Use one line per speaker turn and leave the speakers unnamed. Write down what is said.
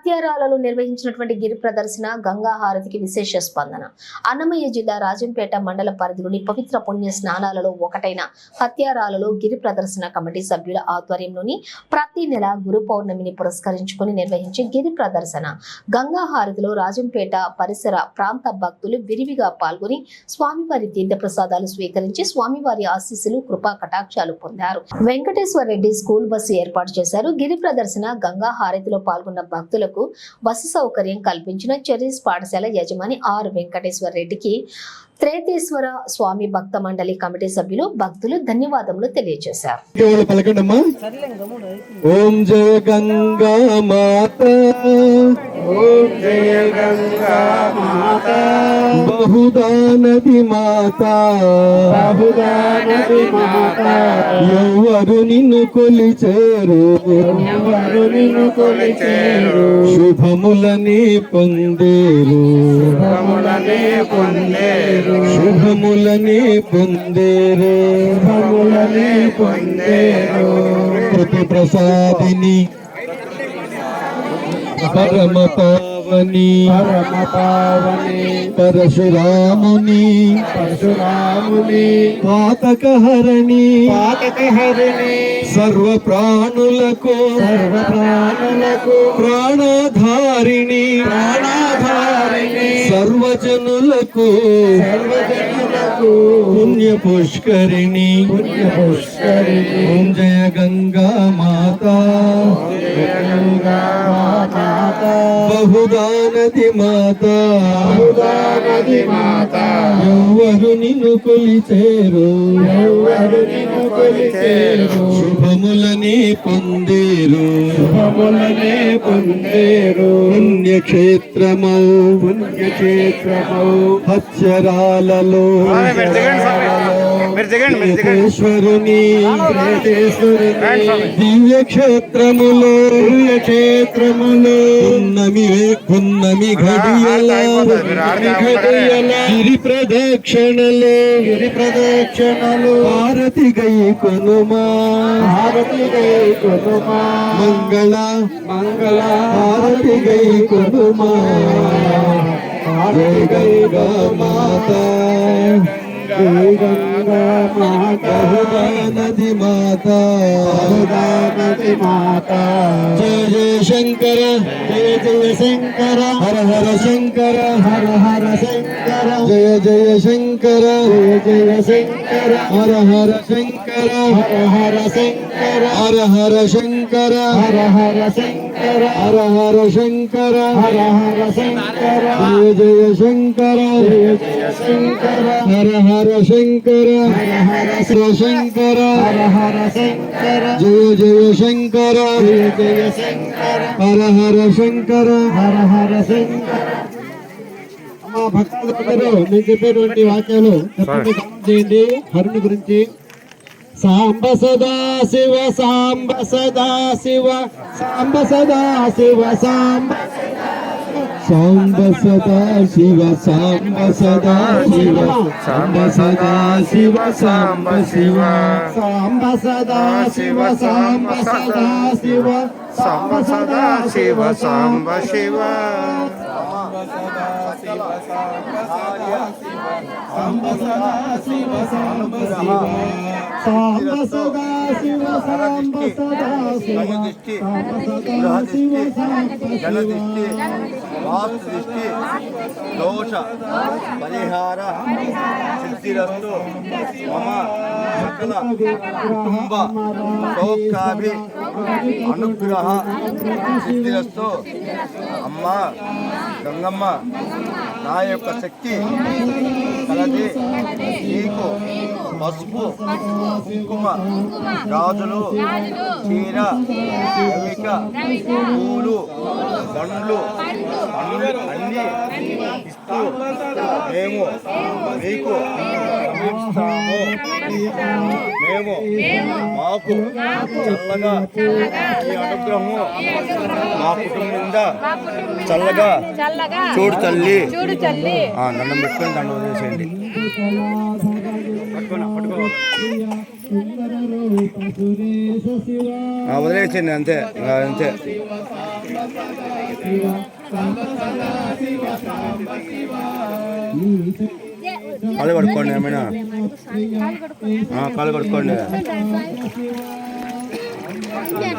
హత్యారాలలో నిర్వహించినటువంటి గిరి ప్రదర్శన గంగా హారతికి విశేష స్పందన. అన్నమయ్య జిల్లా రాజంపేట మండల పరిధిలోని పవిత్ర పుణ్య స్నానాలలో ఒకటైన హత్యారాలలో గిరి ప్రదర్శన కమిటీ సభ్యుల ఆధ్వర్యంలోని ప్రతి నెల గురు పౌర్ణమిని పురస్కరించుకుని నిర్వహించే గిరి ప్రదర్శన గంగా హారతిలో రాజంపేట పరిసర ప్రాంత భక్తులు విరివిగా పాల్గొని స్వామివారి తీర్థ ప్రసాదాలు స్వీకరించి స్వామివారి ఆశీస్సులు కృపా కటాక్షాలు పొందారు. వెంకటేశ్వర రెడ్డి స్కూల్ బస్సు ఏర్పాటు చేశారు. గిరి ప్రదర్శన గంగా హారతిలో పాల్గొన్న భక్తులకు బస్సు సౌకర్యం కల్పించిన చెర్రీస్ పాఠశాల యజమాని ఆర్ వెంకటేశ్వర రెడ్డికి త్రేతేశ్వర స్వామి భక్త మండలి కమిటీ సభ్యులు భక్తులు ధన్యవాదములు తెలియజేశారు.
ఓం జయ గంగా మాత, ఓం జయ గంగా మాత, బహుదా నది మాత, బహుదా నది మాత, ఎవరు నిన్ను కొలిచేరు, ఎవరు నిన్ను కొలిచేరు, శుభములని పొందేరు, శుభములని పొందేరు, శుభములని పొందేరు, శుభములని పొందేరు. ప్రతి ప్రసాదిని పరమ పావని, పరమ పావని, పరశురాముని, పరశురాముని, పాతకహరణి, పాతకహరణి, సర్వ ప్రాణులకు, సర్వ ప్రాణులకు, ప్రాణధారిణి, ప్రాణధారిణి, సర్వజనులకు, సర్వజనులకు, పుణ్య పుష్కరిణి, పుణ్య పుష్కరిణి. ఓం జయ గంగా మాతా, గంగా మాతా, బహుదా నది మాత, బహుదా నది మాత, ఎవరు నిన్ను కొలిచేరు, ఎవరు నిన్ను కొలిచేరు, శుభములని పొందేరు, శుభములని పొందేరు. పుణ్యక్షేత్రమౌ, పుణ్యక్షేత్రమౌ, హత్యరాలలో త్రేతేశ్వరుని, దివ్య క్షేత్రములో, దివ్య క్షేత్రములో పున్నమి ఘడియల, గిరి ప్రదక్షిణలు, గిరి ప్రదక్షిణలు, హారతి గై కొనుమా, హారతి గై కొనుమా, మంగళ మంగళ హారతి గై కొనుమా, హారతి గై మాతా, జయ గంగా మాతా, బహుదా నది మాతా, బహుదా నది మాతా. జయ జయ శంకర, జయ జయ శంకర, హర హర శంకర, హర హర శంకర, జయ జయ శంకర, జయ జయ శంకర, హర హర శంకర, హర హర శంకర, హర హర శంకర, హర హర శంకర, హర హర శంకర, హర హర శంకర, జయ జయ శంకర, జయ జయ శంకర, హర హర శంకర, హర హర శంకర, హర హర శంకర, జయ జయ శంకర, జయ జయ శంకర, హర హర శంకర, హర హర శంకర. అమ్మా భక్తులందరూ నేను చెప్పేటువంటి వాక్యాలు తప్పకుండా గమనం చేయండి. హరుని గురించి సాంబ సదా శివ, సాంబ సదా శివ, సాంబ సదా శివ, సాంబ సాంబ సదా శివ, సాంబ సదా శివ, సాంబ సదా శివ, సాంబ శివ, సాంబ సదా శివ, సాంబ సదా శివ, సాంబ సదా శివ, సాంబ శివ, సాంబ సదా శివ, సాంబ శివ, సాంబ సదా శివ, సాంబ సదా శివ, సాంబ సదా శివ, సాంబ శివ. వాక్దృష్టి దోష పరిహార సిద్ధిరస్తు మమ సకల కుటుంబ సౌఖ్యాభి అనుగ్రహ సిద్ధిరస్తు. అమ్మ గంగమ్మ, నా యొక్క శక్తి కలది నీకు పసుపు కుంకుమ గాజులు చీర రవిక పూలు పండ్లు అన్ని ఇస్తూ మేము మీకు సమీపిస్తాము. మేము మాకు చల్లగా ఈ అనుగ్రహము మా కుటుంబం మీద చల్లగా చూడు తల్లి. దండం పెట్టుకొని దండం చేసేయండి. సుందర రూప సురేశ శివ
వదిలేసింది అంతే ఇంకా అంతే. కాళ్ళు కడుక్కోండి ఏమైనా కాళ్ళు కడుక్కోండి.